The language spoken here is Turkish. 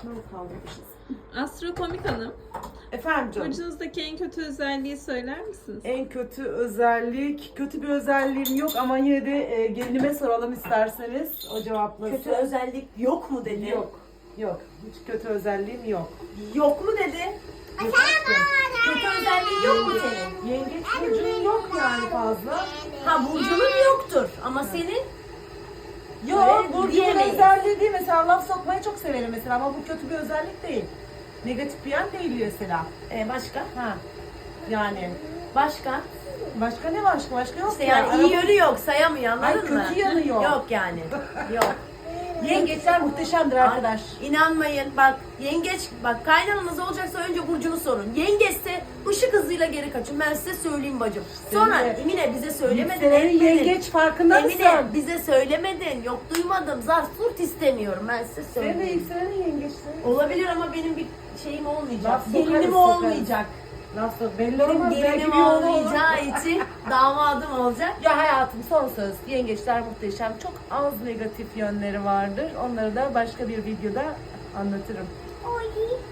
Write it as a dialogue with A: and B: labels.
A: Nasıl kaldırmışız?
B: Astrokomik Hanım,
A: Efendim canım.
B: burcunuzdaki en kötü özelliği söyler misiniz?
A: En kötü özellik, kötü bir özelliğim yok ama yine de gelinime soralım isterseniz o cevaplasın.
C: Kötü özellik yok mu dedi?
A: Yok. Yok. Hiç kötü özelliğim yok.
C: Yok mu dedi?
A: Yok.
C: Kötü özelliği yok mu senin?
A: Yengeç burcunun yok yani fazla.
C: Ha burcunun yoktur ama senin
A: Yok,
C: Öyle
A: burcunun
C: diyemeyiz.
A: özelliği değil. Mesela laf sokmayı çok severim mesela ama bu kötü bir özellik değil. Negatif bir yan değil mesela.
C: başka?
A: Ha. Yani
C: Başka?
A: başka ne başka? Başka yok
C: İşte
A: ya.
C: yani iyi yönü yok, sayamıyor anladın
A: Hayır,
C: mı?
A: kötü yanı yok.
C: Yok yani. Yok.
A: Yengeçler muhteşemdir arkadaş.
C: İnanmayın bak yengeç bak kaynananız olacaksa önce burcunu sorun. Yengeçse ışık hızıyla geri kaçın ben size söyleyeyim bacım. Sonra
A: Senin de
C: Emine bize söylemedin.
A: Yükselenin
C: etmedin.
A: yengeç farkında
C: Emine
A: mısın?
C: bize söylemedin. Yok duymadım. Zart surt istemiyorum ben size
A: Senin de
C: söyleyeyim.
A: yükselenin yengeçleri.
C: Olabilir ama benim bir şeyim olmayacak.
A: Laf sokarız,
C: Gelinim
A: sokarız.
C: olmayacak.
A: Nasıl? Belli
C: Benim
A: olmaz. Belki
C: gelinim
A: bir yolu olur.
C: olmayacağı için damadım olacak.
A: Ya hayatım son söz. Yengeçler muhteşem. Çok az negatif yönleri vardır. Onları da başka bir videoda anlatırım.